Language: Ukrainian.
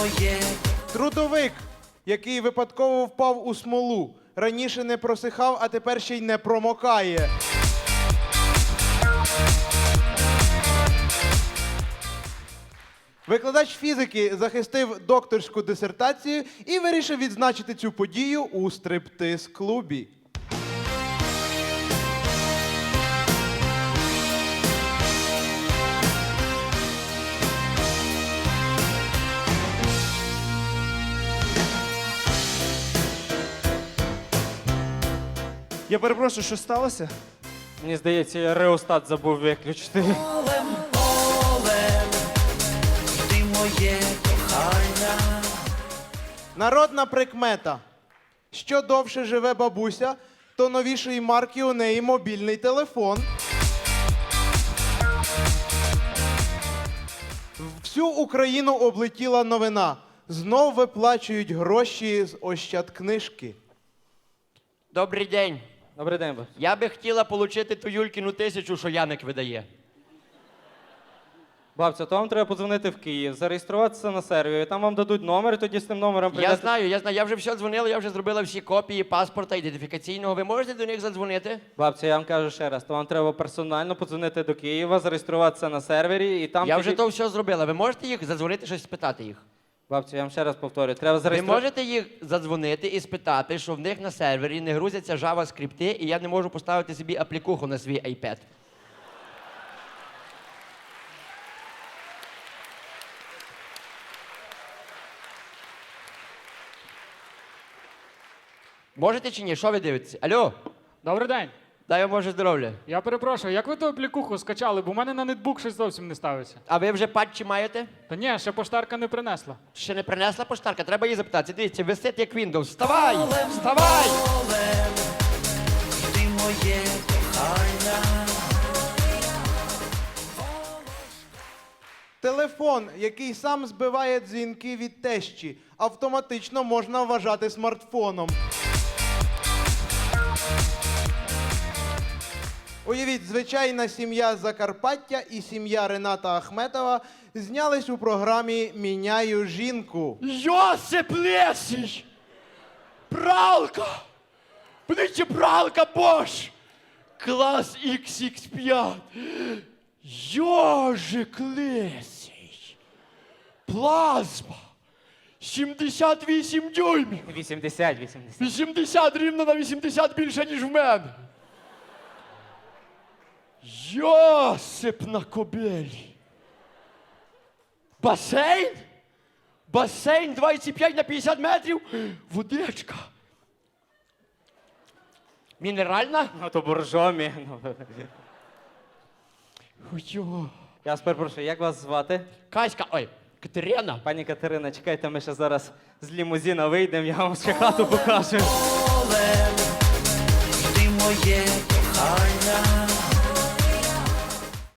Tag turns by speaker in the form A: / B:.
A: Трудовик, який випадково впав у смолу. Раніше не просихав, а тепер ще й не промокає. Викладач фізики захистив докторську дисертацію і вирішив відзначити цю подію у стриптиз-клубі.
B: Я перепрошую, що сталося?
C: Мені здається, я реостат забув виключити.
D: Ти моє кохання.
A: Народна прикмета. Що довше живе бабуся, то новішої марки у неї мобільний телефон. Всю Україну облетіла новина. Знов виплачують гроші з Ощадкнижки.
E: Добрий день.
C: Добрий день, бабусь.
E: Я би хотіла отримати ту Юлькіну 1000, що Яник видає.
C: Бабця, то вам треба подзвонити в Київ, зареєструватися на сервері, там вам дадуть номер, і тоді з тим номером
E: Я
C: прийдете.
E: знаю, я вже все дзвонила, я вже зробила всі копії паспорта ідентифікаційного. Ви можете до них задзвонити?
C: Бабця, я вам кажу ще раз, то вам треба персонально подзвонити до Києва, зареєструватися на сервері, і там
E: Я
C: тоді...
E: вже то все зробила. Ви можете їх задзвонити, щось спитати їх?
C: Бабця, я вам ще раз повторюю, треба
E: Ви
C: зареєструвати...
E: можете їх задзвонити і спитати, що в них на сервері не грузяться JavaScript, і я не можу поставити собі аплікуху на свій iPad. Можете чи ні? Що ви дивитеся? Алло,
F: Добрий день.
E: дай вам Боже здоров'я.
F: Я перепрошую, як ви ту аплікуху скачали, бо в мене на нетбук щось зовсім не ставиться.
E: А ви вже патчі маєте?
F: Та ні, ще поштарка не принесла.
E: Ще не принесла поштарка, треба її запитати. Дивіться, висить як Windows. Вставай! Вставай!
D: Ти моє кохання.
A: Телефон, який сам збиває дзвінки від тещі, автоматично можна вважати смартфоном. Уявіть, звичайна сім'я з Закарпаття і сім'я Рената Ахметова знялись у програмі «Міняю жінку».
E: Йосип Лесій! Пралка! Подивіться, пралка Bosch! Клас XX5! Йожик Лесій! Плазма! 78 дюймів!
C: 80.
E: 80 рівно на 80 більше, ніж в мене! Йосип на кобилі! Басейн? Басейн 25 на 50 метрів? Водичка. Мінеральна?
C: Ну, то боржомі.
E: Йо.
C: Я вас перепрошую, як вас звати?
E: Каська, ой, Катерина.
C: Пані Катерина, чекайте, ми ще зараз з лімузина вийдемо, я вам ще хату покажу.
D: Ти моє кохання.